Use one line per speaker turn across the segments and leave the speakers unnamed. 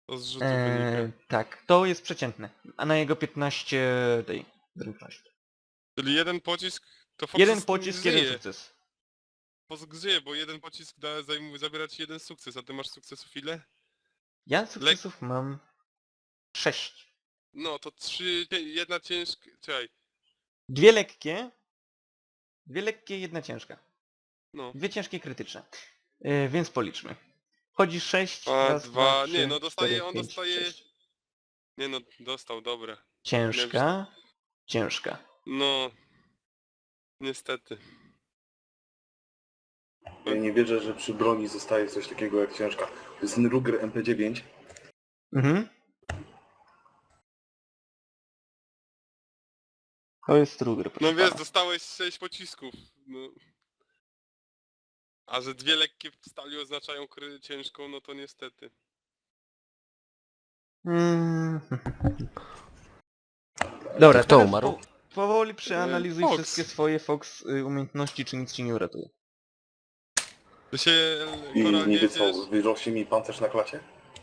To z rzutu wynika.
Tak, to jest przeciętne. A na jego 15 tej zręczności.
Czyli jeden pocisk, to Fox
Jeden pocisk, jeden
żyje.
sukces.
Fox żyje, bo jeden pocisk zabiera ci jeden sukces, a ty masz sukcesów ile?
Ja sukcesów mam 6.
No to 3, jedna ciężka... Czekaj.
Dwie lekkie, jedna ciężka.
No.
Dwie ciężkie krytyczne. Więc policzmy. Wchodzi 6,
A,
raz, dwa,
2... Nie,
trzy,
no
cztery,
dostaje, on
pięć,
dostaje...
6.
Nie no, dostał, dobra.
Ciężka, ciężka.
No... Niestety.
Ja nie wierzę, że przy broni zostaje coś takiego jak ciężka. To jest Ruger MP9.
Mhm. To jest Ruger, proszę
No wiesz,
pana.
dostałeś 6 pocisków. No. A że dwie lekkie w stali oznaczają ciężką, no to niestety.
Mm. Dobra,
Kto
teraz
umarł?
powoli przeanalizuj
Fox.
wszystkie swoje Fox umiejętności, czy nic ci nie uratuje.
To się...
I
Koral,
niby
jedziesz,
co, wyrośnie mi pancerz na klacie?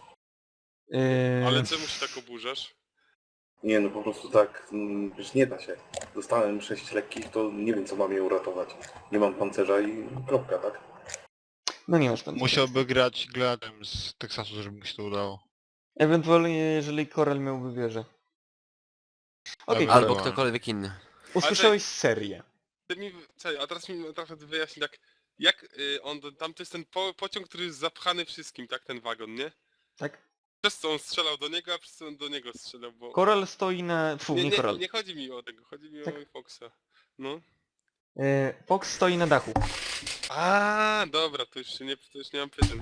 ale czemu się tak oburzasz?
Nie, no po prostu tak, wiesz, nie da się. Dostałem 6 lekkich, to nie wiem co mam je uratować. Nie mam pancerza i kropka, tak?
No nie masz pan.
Musiałby grać Gladem z Teksasu, żeby mu się to udało.
Ewentualnie, jeżeli Koral miałby wieżę. Okej,
Albo-
Koral,
Albo ktokolwiek inny.
usłyszałeś serię.
Ty mi... Czekaj, a teraz mi trochę wyjaśnij tak... Jak on... Tam to jest ten pociąg, który jest zapchany wszystkim, tak? Ten wagon, nie?
Tak?
Przez co on strzelał do niego, a przez co on do niego strzelał, bo...
Koral stoi na... nie Koral.
Nie chodzi mi o tego, chodzi mi
Tak.
o Foxa. No.
Fox stoi na dachu.
A, dobra, to już nie mam pytań.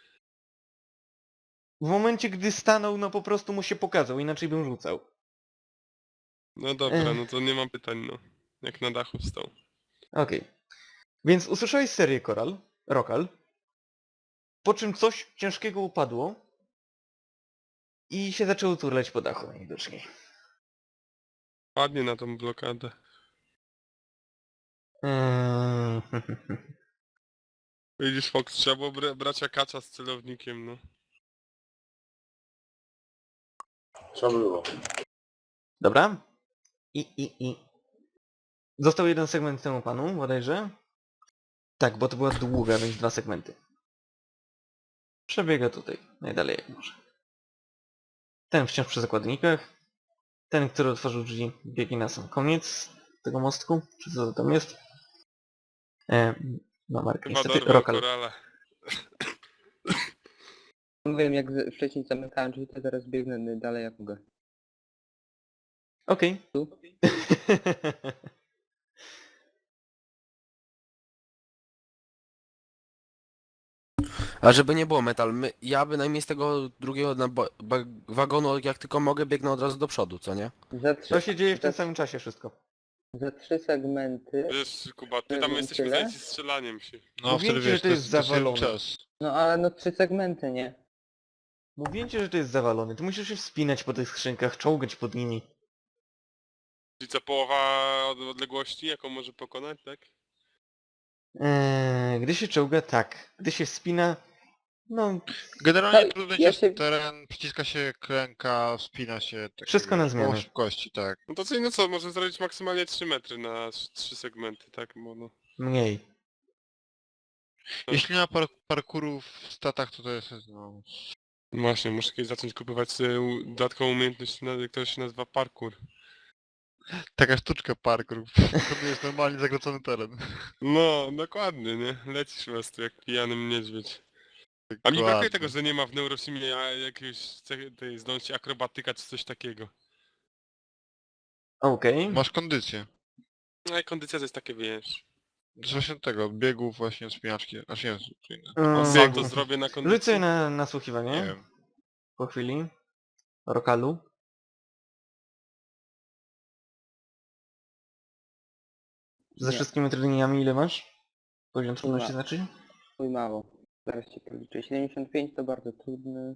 W momencie, gdy stanął, no po prostu mu się pokazał, inaczej bym rzucał.
No dobra, no to nie mam pytań, no. Jak na dachu wstał.
Okej. Więc usłyszałeś serię Rokal, po czym coś ciężkiego upadło i się zaczęło turlać po dachu najwidoczniej.
Padnie na tą blokadę.
Eee,
Widzisz, Fox, trzeba było brać akacza z celownikiem, no.
Trzeba było.
Dobra. I. Został jeden segment temu panu, bodajże. Tak, bo to była długa, więc 2 segmenty. Przebiega tutaj, najdalej jak może. Ten wciąż przy zakładnikach. Ten, który otworzył drzwi, biegnie na sam koniec tego mostku. Czy co to tam jest? No Mark,
Chyba
niestety
dorwał
Rokal.
korala.
Wiem, jak wcześniej zamykałem drzwi, to teraz biegnę dalej jak mogę.
Okej.
Tu?
A żeby nie było metal, ja bynajmniej z tego drugiego wagonu, jak tylko mogę, biegnę od razu do przodu, co nie?
Za
To się dzieje w tym samym czasie wszystko.
Za 3 segmenty.
Wiesz, Kuba, ty tam
Tyle?
jesteśmy zajęci strzelaniem się.
No
Mówiłem
wtedy
ci, że
wiesz,
to jest
to jeden
zawalone.
czas.
No ale no 3 segmenty, nie?
Mówiłem ci, że to jest zawalone. Ty musisz się wspinać po tych skrzynkach, czołgać pod nimi.
Czyli co, połowa odległości, jaką może pokonać, tak?
Gdy się czołga, tak. Gdy się wspina, no
Generalnie
No,
trudno
ja
jest
się-
teren, przyciska się klęka, wspina się... Tak
Wszystko na zmianę.
Połowa szybkości, tak.
No to co, no co, może zrobić maksymalnie 3 metry na 3 segmenty, tak? Bo no...
mniej.
Jeśli nie ma parkouru w statach, to jest no...
Właśnie, muszę kiedyś zacząć kupować sobie dodatkową umiejętność, która się nazywa parkour.
Taka sztuczka parkour. To jest normalnie zagracony teren.
No, dokładnie, nie? Lecisz po prostu jak pijany niedźwiedź. A mi brakuje
Dokładnie.
tego, że nie ma w Neurosimie jakiegoś tej zdolności akrobatyka czy coś takiego.
Okej.
Masz kondycję.
No i kondycja to jest takie, wiesz...
To jest właśnie tego, biegów właśnie, wspinaczki, aż nie, co inne.
O,
Mm,
sam to zrobię na kondycji.
Rzuć sobie na
Nie
nasłuchiwanie.
wiem.
Po chwili. Rokalu. Ze
Nie.
wszystkimi trudnieniami ile masz? Poziom trudności
Ma.
znaczy?
Mój mało. Zaraz ci policzę. 75 to bardzo trudny.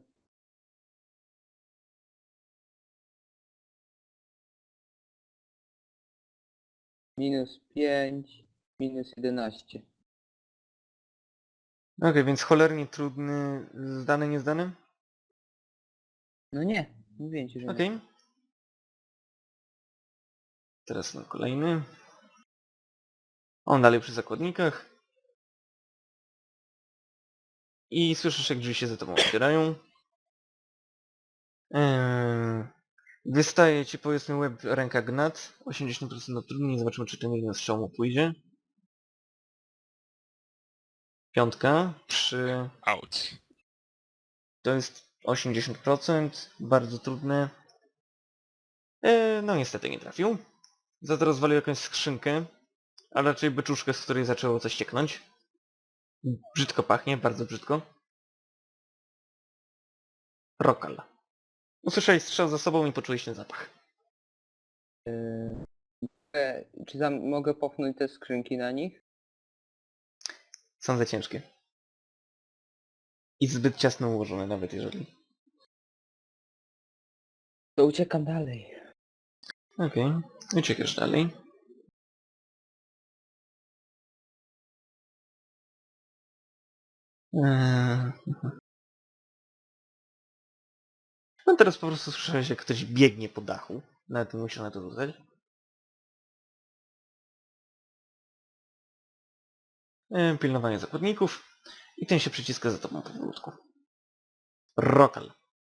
-5, -11.
Okej, więc cholernie trudny. Zdany, niezdany?
No nie, mówię ci, że
Okej.
nie.
Teraz na kolejny. On dalej przy zakładnikach. I słyszysz, jak drzwi się za tobą otwierają. Wystaje ci powiedzmy łeb, ręka gnat. 80% utrudnień. Zobaczymy, czy ten jeden strzał mu pójdzie. 5 przy...
Auć.
To jest 80%. Bardzo trudne. No niestety nie trafił. Za to rozwalił jakąś skrzynkę. A raczej beczuszkę, z której zaczęło coś cieknąć. Brzydko pachnie, bardzo brzydko. Rokal. Usłyszałeś strzał za sobą i poczułeś ten zapach.
Czy mogę popchnąć te skrzynki na nich?
Są za ciężkie. I zbyt ciasno ułożone, nawet jeżeli.
To uciekam dalej.
Okej. Uciekasz dalej. No teraz po prostu słyszałeś, jak ktoś biegnie po dachu. Nawet nie musiał na to rzucać. Pilnowanie zakładników. I ten się przyciska za tobą powolutku. Rokal.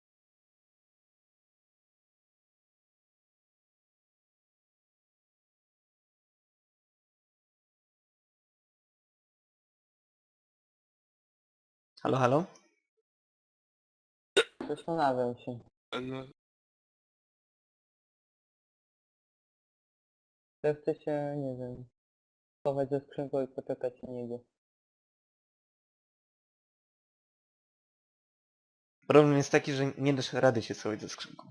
Halo, halo?
Zastanawiam się.
No,
Ja chcę się, nie wiem, schować ze skrzynką i poczekać na niego.
Problem jest taki, że nie dasz rady się schować ze skrzynką.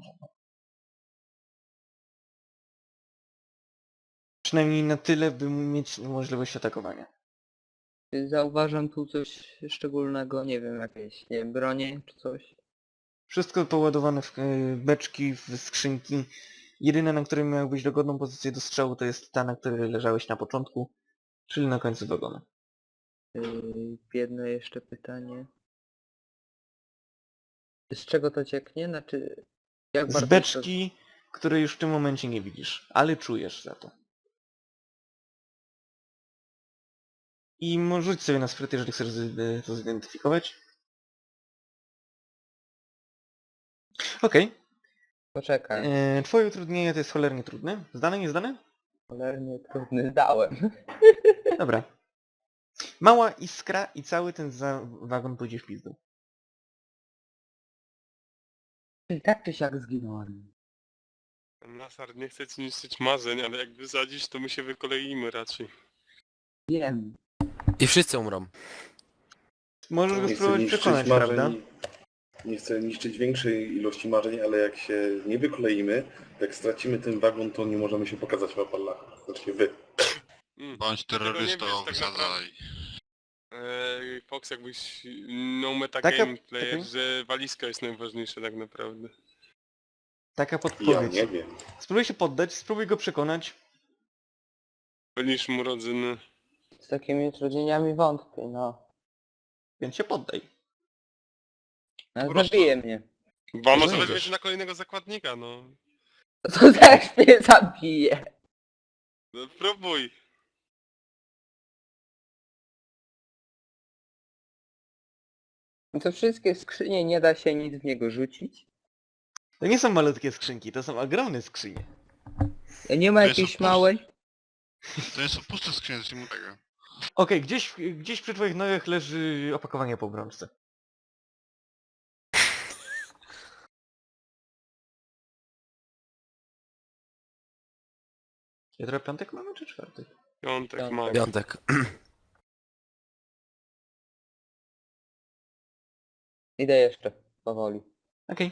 Przynajmniej na tyle, by mieć możliwość atakowania.
Czy zauważam tu coś szczególnego? Nie wiem, jakieś, nie wiem, bronie czy coś?
Wszystko poładowane w beczki, w skrzynki. Jedyne, na której miałbyś dogodną pozycję do strzału, to jest ta, na której leżałeś na początku, czyli na końcu wagonu.
Jedno jeszcze pytanie. Z czego to cieknie? Znaczy, jak
Z
bardzo
beczki, której już w tym momencie nie widzisz, ale czujesz za to. I rzuć sobie na spryt, jeżeli chcesz to zidentyfikować. Okej.
Poczekaj.
Twoje utrudnienie to jest cholernie trudne. Zdane, nie zdane?
Cholernie trudny zdałem.
Dobra. Mała iskra i cały ten wagon pójdzie w pizdu.
Czyli tak czy siak zginąłem.
Nasar nie chce ci niszczyć marzeń, ale jak wysadzisz, to my się wykoleimy raczej.
Wiem.
I wszyscy umrą.
Możesz go
Nie chcę
spróbować
niszczyć
przekonać,
marzeń,
prawda?
nie chcę niszczyć większej ilości marzeń, ale jak się nie wykleimy, jak stracimy ten wagon, to nie możemy się pokazać w Appalachach. Znaczy wy.
Bądź
Tego nie
terrorystą,
wiesz, tak
wysadzaj.
Fox, jakbyś no meta
Taka-
gameplay,
taka-
że walizka jest najważniejsza tak naprawdę.
Taka
Ja
podpowiedź.
nie wiem.
Spróbuj się poddać, spróbuj go przekonać.
Byliśmy mu rodzyny.
Z takimi utrudnieniami wątpię, no.
Więc się poddaj.
Po prostu.
Zabije mnie.
Bo może
Znajdziesz.
weźmiesz na kolejnego zakładnika, no.
To też mnie zabije.
No próbuj.
To wszystkie skrzynie nie da się nic w niego rzucić.
To nie są malutkie skrzynki, to są ogromne skrzynie.
Nie ma
To jest
jakiejś
opus-
małej?
To jest puste skrzynie, zacznijmy od tego.
Okej, gdzieś przy twoich nogach leży opakowanie po obrączce. Jutro piątek mamy czy czwartek?
Piątek
Piątek.
ma.
Piątek.
Idę jeszcze, powoli.
Okej.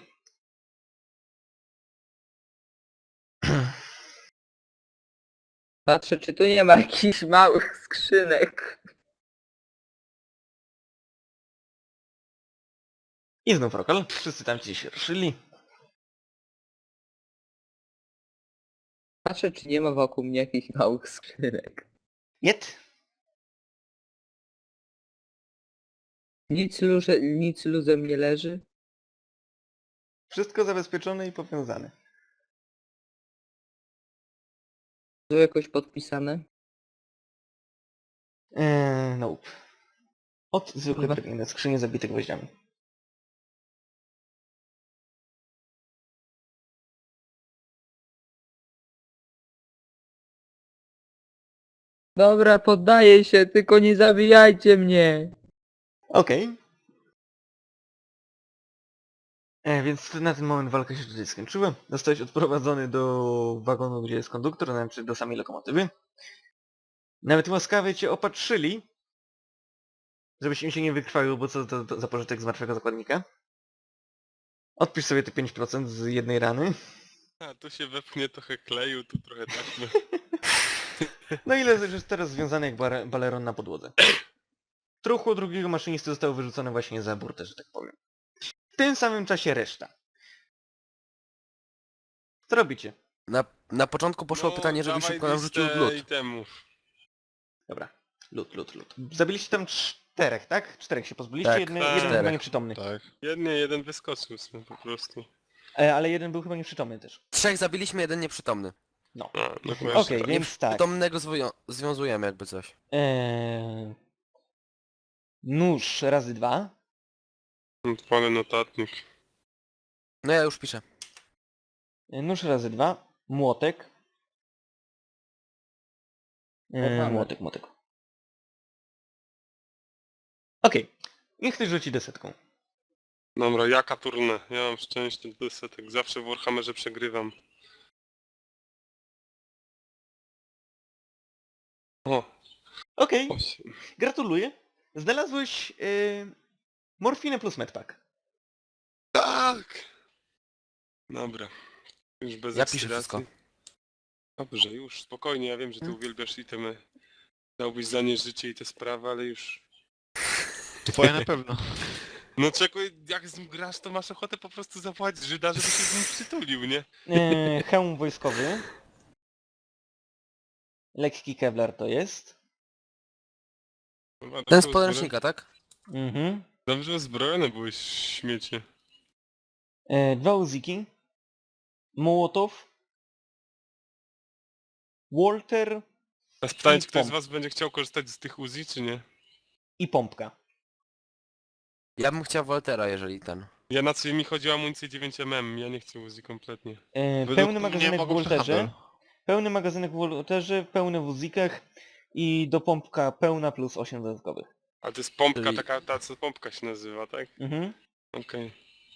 Patrzę, czy tu nie ma jakichś małych skrzynek.
I znów Rokal. Wszyscy tam ci się ruszyli.
Patrzę, czy nie ma wokół mnie jakichś małych skrzynek.
Jed.
Nic luzem nie leży?
Wszystko zabezpieczone i powiązane.
To jakoś podpisane?
Nope. Od zwykłej
Chyba.
drewnianej skrzyni zabitych gwoździami.
Dobra, poddaję się, tylko nie zabijajcie mnie!
Okej. Więc na ten moment walka się tutaj skończyła. Zostałeś odprowadzony do wagonu, gdzie jest konduktor, znaczy do samej lokomotywy. Nawet łaskawie cię opatrzyli, żebyś im się nie wykrwawił, bo co to za pożytek z martwego zakładnika. Odpisz sobie te 5% z jednej rany.
A tu się wepchnie trochę kleju, tu trochę taśmy.
No i leżysz teraz związany jak baleron na podłodze. Truchło drugiego maszynisty zostało wyrzucone właśnie za burtę, że tak powiem. W tym samym czasie reszta. Co robicie?
Na początku poszło pytanie, żeby
dawaj
szybko nam rzucił
listę
lód.
itemów.
Dobra. Lód. Zabiliście tam 4, tak? 4 się pozbyliście,
Tak,
jeden
tak.
chyba nieprzytomny.
Tak.
Jeden wyskoczył sobie po prostu.
Ale jeden był chyba nieprzytomny też.
3 zabiliśmy, 1 nieprzytomny.
No.
A, no
Okej,
właśnie.
więc tak.
Nieprzytomnego związujemy jakby coś.
Nóż razy 2.
Odpalę notatnik.
No ja już piszę.
Nóż razy 2. Młotek. Młotek. Okej. Niech ktoś rzuci desetką.
Dobra, jaka turna? Ja mam szczęście do setek. Zawsze w Warhammerze przegrywam. O,
Okej.
8.
Gratuluję. Znalazłeś morfinę plus medpack.
Tak! Dobra. Już bez
Ja piszę
ekscytacji.
wszystko.
Dobrze, już spokojnie, ja wiem, że ty
Hmm?
uwielbiasz itemy. Dałbyś za nie życie i te sprawy, ale już...
Twoje na pewno.
No czekuj, jak z nim grasz, to masz ochotę po prostu zapłacić Żyda, żeby się z nim przytulił, nie?
Hełm wojskowy. Lekki kevlar to jest.
Chyba
Ten z
dobrze
podręcznika, tak?
Mhm.
Dobrze uzbrojony byłeś, śmiecie.
2 uziki. Mołotow. Walter
A pytanie, czy
I
ktoś z
pomp.
was będzie chciał korzystać z tych Uzi, czy nie?
i pompka.
Ja bym chciał Waltera, jeżeli ten.
Ja na co mi chodzi o amunicję 9mm, ja nie chcę Uzi kompletnie.
Według
Pełny
mnie
magazynek w
mogą
Walterze.
przehandel.
Pełny magazynek w Walterze, pełny w uzikach i do pompka pełna plus 8 dodatkowych.
A to jest pompka,
Czyli-
taka, ta co pompka się nazywa, tak?
Mhm.
Okej.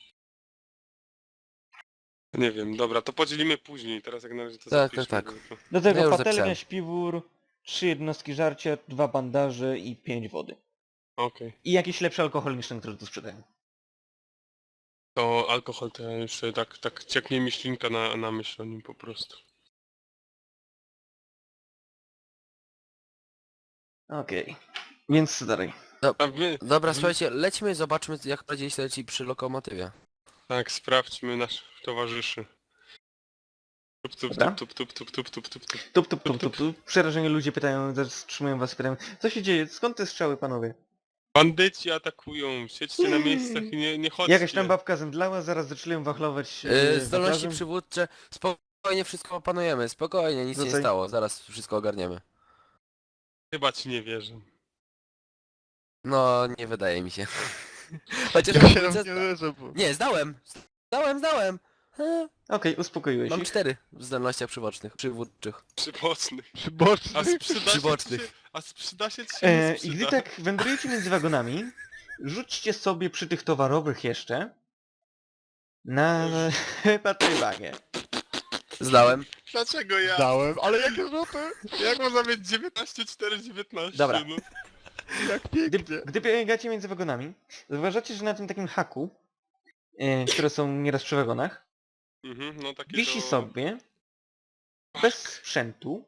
Nie wiem, dobra, to podzielimy później, teraz jak na razie to
Tak,
zapiszmy.
tak.
tylko.
Do tego
Ja już
patelnia,
zapisałem.
śpiwór, 3 jednostki żarcia, 2 bandaże i 5 wody.
Okej.
I jakiś lepszy alkohol niż ten, który tu sprzedają.
To alkohol to ja już tak cieknie mi ślinka na myśl o nim po prostu.
Okej. Więc co dalej?
A my,
Dobra, słuchajcie, lećmy, zobaczmy jak bardziej się leci przy lokomotywie.
tak, sprawdźmy naszych towarzyszy. Tup, tup,
Dobra.
tup, tup, tup, tup, tup, tup, tup.
Tup. Przerażeni ludzie pytają, zatrzymują was i pytają, co się dzieje? Skąd te strzały, panowie?
Bandyci atakują, siedźcie na miejscach i nie chodźcie.
Jakaś tam babka zemdlała, zaraz zaczęli wachlować
Zdolności
wachlarzem.
przywódcze, spokojnie wszystko opanujemy, spokojnie, nic się nie
Wracaj.
stało, zaraz wszystko ogarniemy.
Chyba ci nie wierzę.
No, nie wydaje mi się. Chociaż
Ja
mam
się
test-
nie wierzę, bo...
Nie, zdałem!
Okej, uspokoiłeś
Mam
ich.
4 w zdolnościach przywódczych.
Przyboczny.
Przyboczny.
A sprzyda się
Przybocznych.
ci, a sprzyda się ci nie
I gdy
sprzyda.
tak wędrujecie między wagonami, rzućcie sobie przy tych towarowych jeszcze na patrywagę.
Zdałem.
Dlaczego ja?
Zdałem, ale jakie rzuty?
Jak można mieć 19, 4, 19?
Dobra.
No.
Jak
Gdy,
pięknie.
gdy biegacie między wagonami, zauważacie, że na tym takim haku, które są nieraz przy wagonach,
Mhm, no takie
wisi
to...
sobie bez sprzętu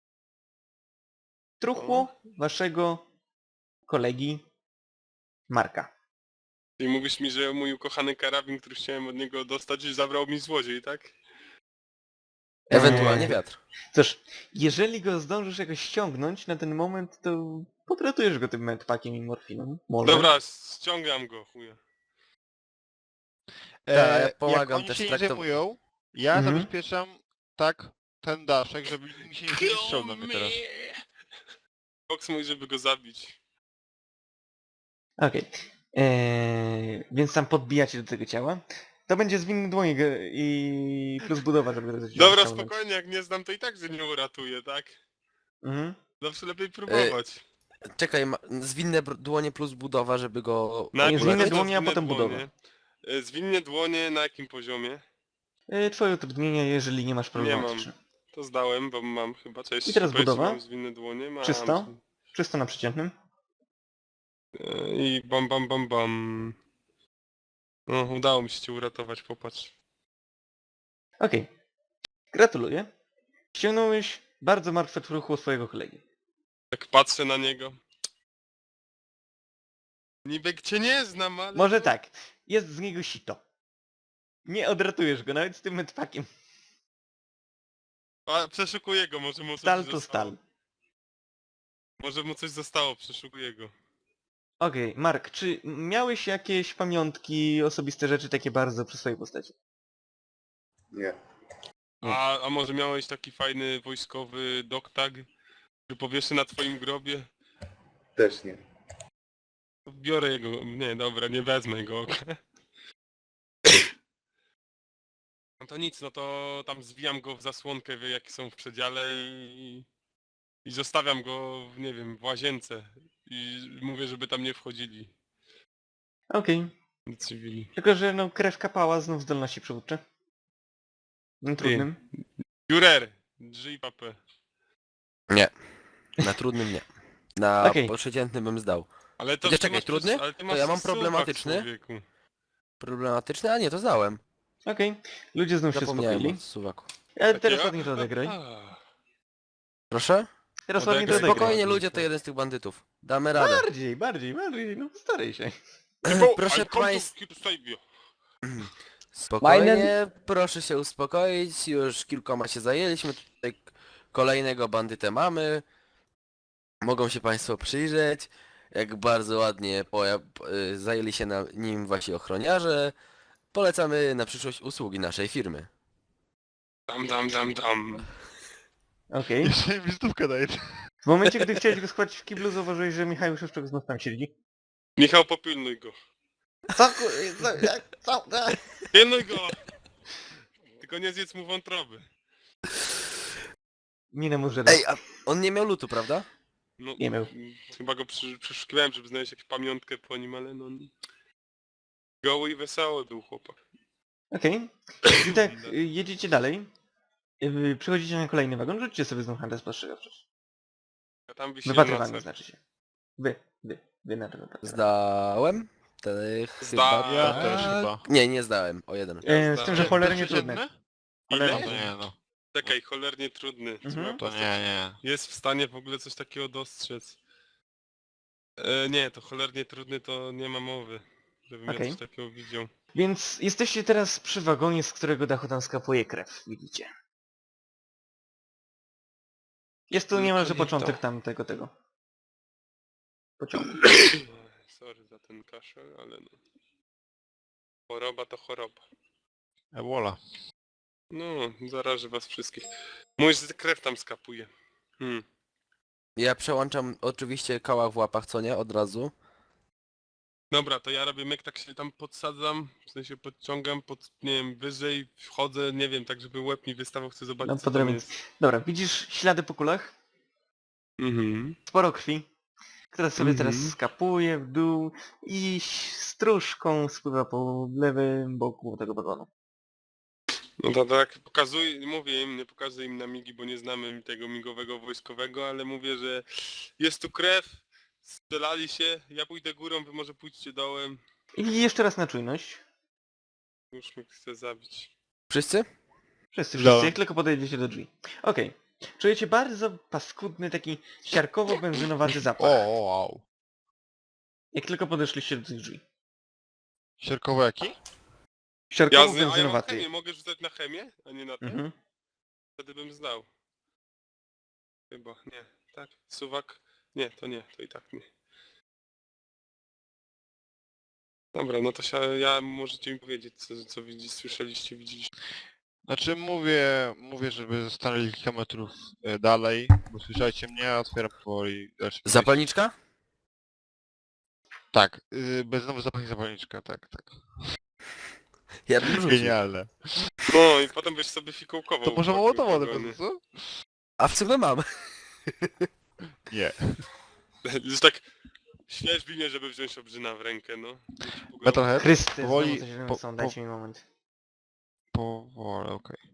truchło waszego kolegi Marka.
I mówisz mi, że mój ukochany karabin, który chciałem od niego dostać, zabrał mi złodziej, tak?
Ewentualnie wiatr.
Cóż, jeżeli go zdążysz jakoś ściągnąć na ten moment, to potratujesz go tym medpackiem i morfiną. Może.
Dobra, ściągam go, chuja.
ja
Jak
pomagam
oni
też
się nie
traktować.
zajmują, ja
Mhm.
zabezpieczam tak ten daszek, żeby mi się nie strzał na mnie teraz.
Fox mówi, żeby go zabić.
Okej. Więc tam podbijacie do tego ciała. To będzie zwinny dłoń i plus budowa, żeby to
Dobra,
ściągnąć.
spokojnie, jak nie znam, to i tak, że nie uratuję, tak?
Mhm.
Zawsze lepiej próbować.
Czekaj, zwinne dłonie plus budowa, żeby go...
Na jakim
zwinne
poziomie
dłonie, a
zwinne
potem budowa.
dłonie? Zwinne dłonie na jakim poziomie?
Twoje utrudnienia, jeżeli nie masz
Nie
problematyczne.
mam. To zdałem, bo mam chyba. Cześć,
I teraz
powiedz, czy
budowa.
mam zwinne dłonie? Mam.
300. 300 na przeciętnym.
I bam bam bam bam. No, udało mi się cię uratować, popatrz.
Okej. Gratuluję. Ściągnąłeś bardzo martwe truchło swojego kolegi.
Tak patrzę na niego. Niby cię nie znam, ale...
Może tak. Jest z niego sito. Nie odratujesz go nawet z tym medpakiem.
A, przeszukuję go, może mu coś
Stal to
zostało.
stal.
Może mu coś zostało, przeszukuję go.
Okej, Mark, czy miałeś jakieś pamiątki, osobiste rzeczy takie bardzo przy swojej postaci?
Nie.
A może miałeś taki fajny wojskowy doktag, który powieszy na twoim grobie?
Też nie.
Biorę jego... Nie, dobra, nie wezmę go. No to nic, no to tam zwijam go w zasłonkę, wie jakie są w przedziale i zostawiam go, nie wiem, w łazience. I mówię, żeby tam nie wchodzili
Okej.
cywili.
Tylko, że no krew kapała znów zdolności przywódcze. Trudnym.
Führer! Drzyj papę.
Nie. Na trudnym nie. Na
Okej.
przeciętnym bym zdał.
Ale to
Gdzie,
ty
czekaj,
masz
trudny?
przecież- ale ty
To
masz
ja mam
suwak,
problematyczny.
człowieku.
Problematyczny? A nie, to zdałem.
Okej. Ludzie znów się
Zapomniałem
uspokoili.
o suwaku.
Ale teraz
Takie-
ładnie to odegraj.
Proszę?
Teraz ładnie to
Odegraj.
odegraj.
Spokojnie
ładnie,
ludzie, to
tak.
jeden z tych bandytów. Damy radę.
Bardziej, no staraj się.
Proszę państwa,
Państwa...
spokojnie, proszę się uspokoić, już kilkoma się zajęliśmy, tutaj kolejnego bandytę mamy. Mogą się państwo przyjrzeć, jak bardzo ładnie zajęli się nim wasi ochroniarze. Polecamy na przyszłość usługi naszej firmy.
Dam.
Okej.
Jeszcze mi wizytówkę daje.
W momencie, gdy chciałeś go schwycić w kiblu, zauważyłeś, że Michał Szewczuk znów tam siedzi.
Michał, popilnuj go.
Co? Co?
Pilnuj go! Tylko nie zjedz mu wątroby.
Minę mu
Ej, a on nie miał lutu, prawda?
No,
Nie miał.
Chyba go przeszukiwałem, żeby znaleźć jakąś pamiątkę po nim, ale no... Goły i wesoły był chłopak.
Okej. I tak, jedziecie dalej. Przychodzicie na kolejny wagon, rzućcie sobie znów handel spostrzegawczość.
A tam wisi
Wypatrywanie
noce.
znaczy się. Wy na to wypatrywanie.
Zdałem.
Zda-
Ja
Tak.
też chyba.
Nie zdałem, o jeden.
Z tym, że
Te
cholernie
przeciętne?
trudne.
Ile?
No to nie no.
Czekaj, cholernie trudny.
Mhm.
To nie.
Jest w stanie w ogóle coś takiego dostrzec. Nie, to cholernie trudny to nie ma mowy. Żebym
Okej.
ja coś takiego widział.
Więc jesteście teraz przy wagonie, z którego dachu tam skapuje krew, widzicie. Jest to niemalże
nie to.
początek tego pociągu.
Sorry za ten kaszel, ale no. Choroba to choroba.
Ebola.
No, zaraży was wszystkich. Mój krew tam skapuje.
Ja przełączam oczywiście kałach w łapach, co nie? Od razu.
Dobra, to ja robię myk, tak się tam podsadzam, w sensie podciągam, nie wiem, wyżej, wchodzę, nie wiem, tak żeby łeb mi wystawał, chcę zobaczyć
No,
co
pod
tam
ramię.
jest.
Dobra, widzisz ślady po kulach? Sporo krwi, która sobie teraz skapuje w dół i stróżką spływa po lewym boku tego wagonu.
No to tak pokazuję, mówię im, nie pokazuję im na migi, bo nie znamy tego migowego wojskowego, ale mówię, że jest tu krew, strzelali się, ja pójdę górą, wy może pójdźcie dołem.
I jeszcze raz na czujność.
Już mnie chce zabić.
Wszyscy?
Wszyscy,
Dobra.
jak tylko podejdziecie do drzwi. Okej. Czujecie bardzo paskudny, taki siarkowo-benzynowaty zapach.
Wow.
Jak tylko podeszliście do tych drzwi.
Sierkowo jaki?
A ja mam
Siarkowo-benzynowaty.
chemię, mogę rzucać na chemię, a nie na ten?
Mhm.
Wtedy bym zdał. Chyba, nie, tak? Suwak? Nie, to i tak nie. Dobra, no to ja możecie mi powiedzieć, co słyszeliście, widzieliście.
Znaczy mówię, żeby stanęli kilka metrów dalej, bo słyszajcie mnie, a otwieram powoli dalsze przejście.
Zapalniczka?
Tak, znowu zapalniczka, tak.
Ja bym rzucił.
Genialne.
No i potem byś sobie fikołkował.
To może Mołotowa od
wagony.
razu, co?
A w sumie mam.
Nie.
Już tak świeżbi mnie, żeby wziąć obrzyna w rękę, no.
Metalhead?
Chrysty,
Powoli,
znowu coś
po-
są, dajcie mi moment.
powoli, okej.